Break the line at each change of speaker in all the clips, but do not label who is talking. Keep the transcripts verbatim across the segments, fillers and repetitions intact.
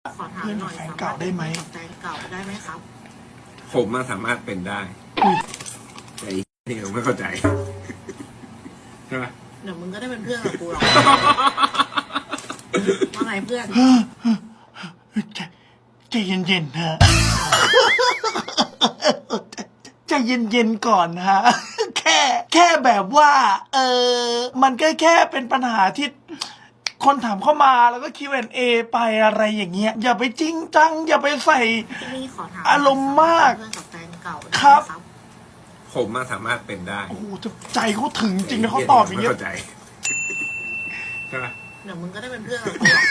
ขอถามหน่อย
แฟนเก่าได้ไหม
แฟนเก่าได้ไหมครับ
ผมมาสามารถเป็นได้แต่อีกนี่ผมไม่เข้าใจใช่ไหม
เดี๋ยวมึงก็ได้เป็นเพื่อนกับกูหรอกว่าไงเพื่อน
ใจใจเย็นๆฮะใจเย็นๆก่อนฮะแค่แค่แบบว่า เออมันก็แค่เป็นปัญหาที่คนถามเข้ามาแล้วก็ คิว แอนด์ เอ ไปอะไรอย่างเงี้ยอย่าไปจริงจังอย่าไปใส่
นี่ขอถาม
อารมณ์มาก
เพื่อนกับแฟนเก่าได้ไหม
ครับ
ผมมาสามารถเป็นได้
โอ้โหใจเขาถึงจริงนะเขาตอบอย่าง
ไม่
เงี้ย
เข้าใจใช่ไหม
เดี๋ยวมึงก็ได้เป็นเพื่อนกับกูหรอก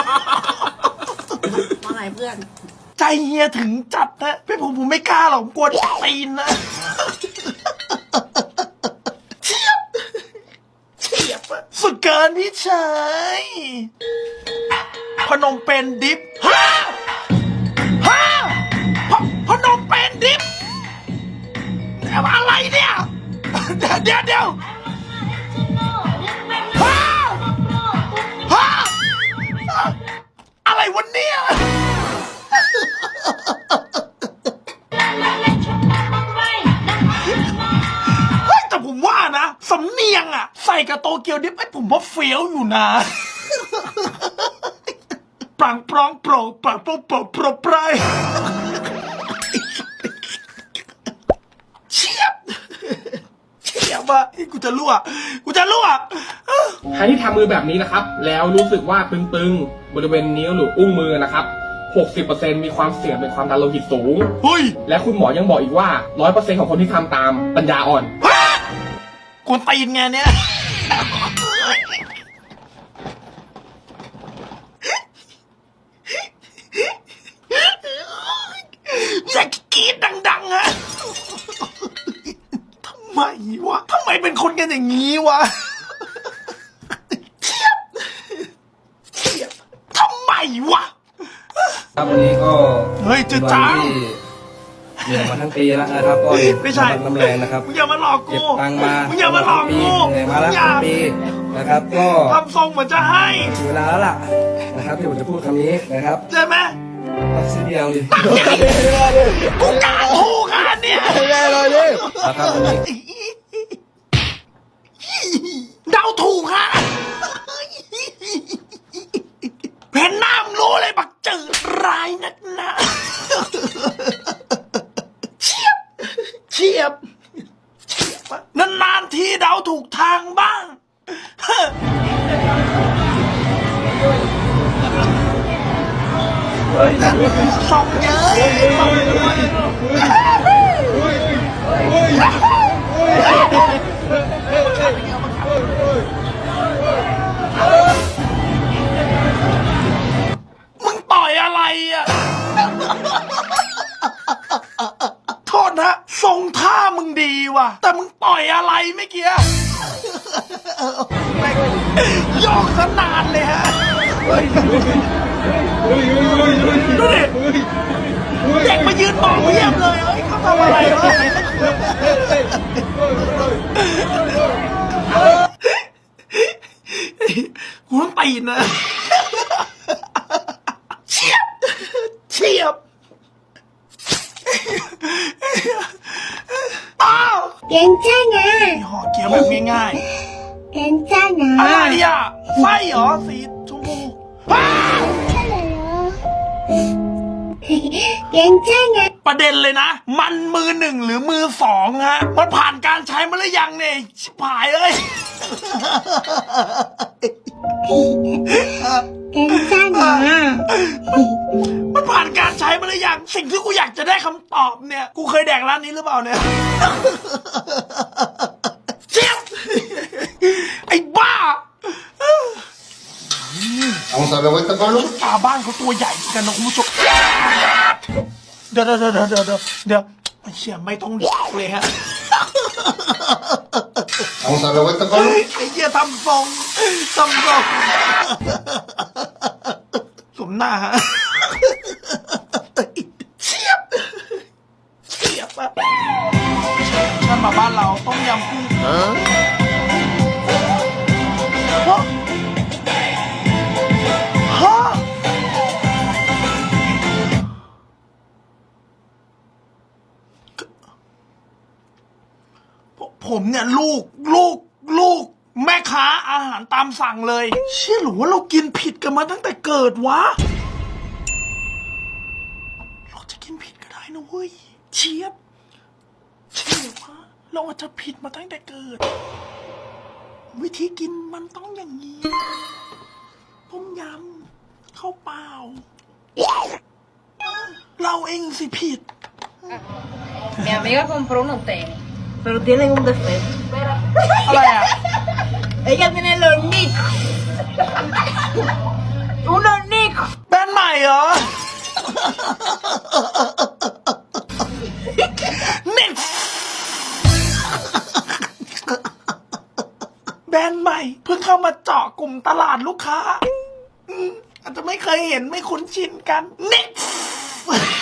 ว่าไงเพื่อน
ใจเฮียถึงจัดนะพี่ผมผมไม่กล้าหรอกผมกลัวตีนนะเฉียบเฉียบอะสุดเกินพี่ชายพนมเป็นดิฟฮ่าฮ่าพพนมเป็นดิฟอะไรเนี่ยเดี๋ยวเดี๋ยวเดี๋ยวฮ่าฮ่าอะไรวะเนี่ยเฮ้ยแต่ผมว่านะสำเนียงอะใส่กับโตเกียวดิฟไอ้ผมว่าเฟี้ยวอยู่นะปรังปรองโปรปรังโปรโปรโปรปรายเฉียบเฉียบอะกูจะรั่วกูจะรั่ว
ใครที่ทำมือแบบนี้นะครับ แล้วรู้สึกว่าตึงๆ บริเวณนิ้วหรืออุ้งมือนะครับ หกสิบเปอร์เซ็นต์ มีความเสี่ยงเป็นความดันโลหิตสูง
เฮ้ย
และคุณหมอยังบอกอีกว่า ร้อยเปอร์เซ็นต์ ของคนที่ทำตามปัญญาอ่อน
กวนตีนไงเนี่ยจะกรีดดังๆฮะทำไมวะทำไมเป็นคนกันอย่างนี้วะเทียบเทียบทำไมวะ
ครับวันนี้ก็
เฮ้ยจะจ้า
เหนื่อยมาทั้งปีแล้วนะครับก็
ไม่ใช่
น้ำแรงนะครับ
มึงอย่ามาหลอก
เก็
กู
บตังค์มา
มึงอย่ามาหลอกกู
เหนื่อยมาแล้ว
อย่า
ทั้งปีนะครับก็
ทำทรงเหมือนจะให้
ถึงเวลาแล้วล่ะนะครับที่ผมจะพูดคำนี้นะครับ
ใช่ไหม
ตัดสินเดียวดิ
กูกล้าถูกอันเนี่ย
นะครับวันนี้
เดาถูกฮะเห็นหน้ามึงรู้เลยบักจืดร้ายนักหนาเฉียบเฉียบเฉียบนานๆทีเดาถูกทางบ้างส่องเยอะส่องเยอะมึงต่อยอะไรอ่ะ โทษนะทรงท่ามึงดีว่ะ แต่มึงต่อยอะไรเมื่อกี้ยอกขนาดเลยฮะดูดิเด็กมายืนมองเพียบเลยเฮ้ยเขาทำอะไรวะกูต้องตีนนะเฉียบเฉียบอ้าว
괜찮아
มีห่อเกี๊ยวแบบง่าย
괜찮아
ๆอะไรอ่ะไส้เหรอสีชมพูอ้าว
괜찮아
ประเด็นเลยนะ มันมือหนึ่งหรือมือสองฮะ มันผ่านการใช้มาหรือยังเนี่ยชิบหายเอ้ย
괜찮아
มันผ่านการใช้มาหรือยัง สิ่งที่กูอยากจะได้คำตอบเนี่ย กูเคยแดกร้านนี้หรือเปล่าเนี่ยเจี๊ยบไอ้บ้า
Vamos a dar vuelta, Pablo.
ตาบ้านเขาตัวใหญ่กันนะคุณผู้ชมเดี๋ยวเดี๋ยวเดี๋ยวเดี๋ยวเดี๋ยวเดี๋ยวไอ้เชี่ยไม่ต้องเลยฮะ
Vamos a dar vuelta, Pablo.
ไอ้เหี้ยทำทรงทำทรงสมหน้าฮะเฉียบเฉียบอะฉันมาบ้านเราต้มยำกุ้งฮะ ฮะผมเนี่ยลูกลูกลูกแม่ค้าอาหารตามสั่งเลยเชื่อหรือว่าเรากินผิดกันมาตั้งแต่เกิดวะเราจะกินผิดก็ได้นะเว้ยเชียบเชื่อว่าเราอาจจะผิดมาตั้งแต่เกิด วิธีกินมันต้องอย่างนี้ต้มยำข้าวเปล่าเราเองสิผิด
Mi amiga compró unos tenis, pero tienen un defecto.
อะไรอ่ะ
Ella tiene los nicos. Unos nicos.
แบรนด์ใหม่เหรอ นิกแบรนด์ใหม่เพิ่งเข้ามาเจาะกลุ่มตลาดลูกค้าอืมอาจจะไม่เคยเห็นไม่คุ้นชินกันนิก